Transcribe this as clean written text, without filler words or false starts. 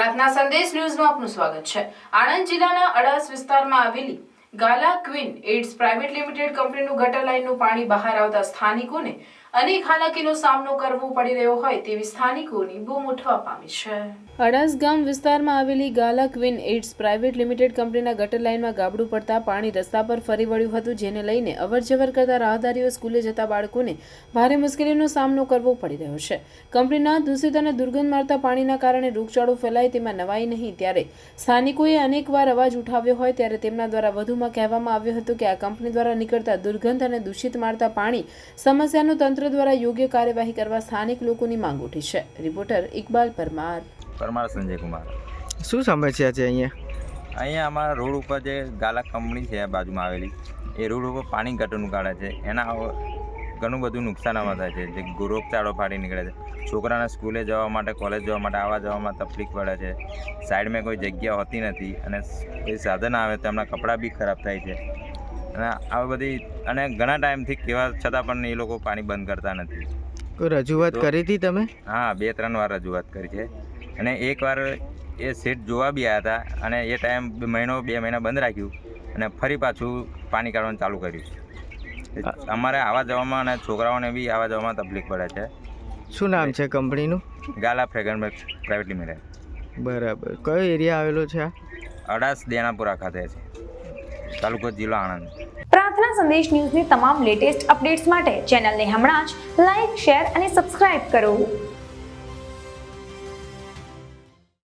પ્રાર્થના સંદેશ ન્યૂઝમાં આપનું સ્વાગત છે। આણંદ જિલ્લાના અડાસ વિસ્તારમાં આવેલી Gala queen ads private limited કંપનીનું ગટર લાઇનનું પાણી બહાર આવતા સ્થાનિકોને અનેક હાલાકીનો સામનો કરવો પડી રહ્યો હોય તેવી સ્થાનિકોની બૂમ ઉઠવા પામી છે। અડાસ ગામ વિસ્તારમાં આવેલી Gala queen ads private limited કંપનીના ગટર લાઇનમાં ગાબડું પડતા પાણી રસ્તા પર ફરી વળ્યું હતું, જેને લઈને અવરજવર કરતા રાહદારીઓ, સ્કૂલે જતા બાળકોને ભારે મુશ્કેલીનો સામનો કરવો પડી રહ્યો છે। કંપનીના દૂષિત અને દુર્ગંધ મારતા પાણીના કારણે રોગચાળો ફેલાય તેમાં નવાઈ નહીં, ત્યારે સ્થાનિકોએ અનેકવાર અવાજ ઉઠાવ્યો હોય ત્યારે તેમના દ્વારા વધુમાં કહેવામાં આવ્યું હતું કે આ કંપની દ્વારા નીકળતા દુર્ગંધ અને દૂષિત મારતા પાણી સમસ્યાનું તંત્ર દ્વારા યોગ્ય કાર્યવાહી કરવા સ્થાનિક લોકોની માંગ ઉઠી છે। રિપોર્ટર ઇકબાલ પરમાર સંજય કુમાર। શું સમસ્યા છે અહીંયા અમારા રોડ ઉપર જે ગાલા કંપની છે બાજુમાં આવેલી, એ રોડ ઉપર પાણી ગટરનું કાઢે છે, એના ઘણું બધું નુકસાન આમાં થાય છે, જે રોગચાળો ફાટી નીકળે છે, છોકરાને સ્કૂલે જવા માટે, કોલેજ જવા માટે, આવવા જવામાં તકલીફ પડે છે, સાઈડમાં કોઈ જગ્યા હોતી નથી અને કોઈ સાધન આવે તો એમના કપડાં બી ખરાબ થાય છે અને આવી બધી અને ઘણા ટાઈમથી કહેવા છતાં પણ એ લોકો પાણી બંધ કરતા નથી। કોઈ રજૂઆત કરી હતી તમે? હા, 2-3 વાર રજૂઆત કરી છે અને એકવાર એ સેટ જોવા બી આવ્યા હતા અને એ ટાઈમ 2 મહિના બંધ રાખ્યું અને ફરી પાછું પાણી કાઢવાનું ચાલુ કર્યું। અમારે આવવા જવામાં અને છોકરાઓને બી આવવા જવામાં તકલીફ પડે છે। શું નામ છે કંપનીનું? Gala fragrance private limited. બરાબર, કયો એરિયા આવેલો છે આ? અડાસ દેણાપુરા ખાતે છે, તાલુકો જિલ્લો આણંદ। પ્રાર્થના સંદેશ ન્યૂઝની તમામ લેટેસ્ટ અપડેટ્સ માટે ચેનલને હમણાં જ લાઇક, શેર અને સબસ્ક્રાઇબ કરો।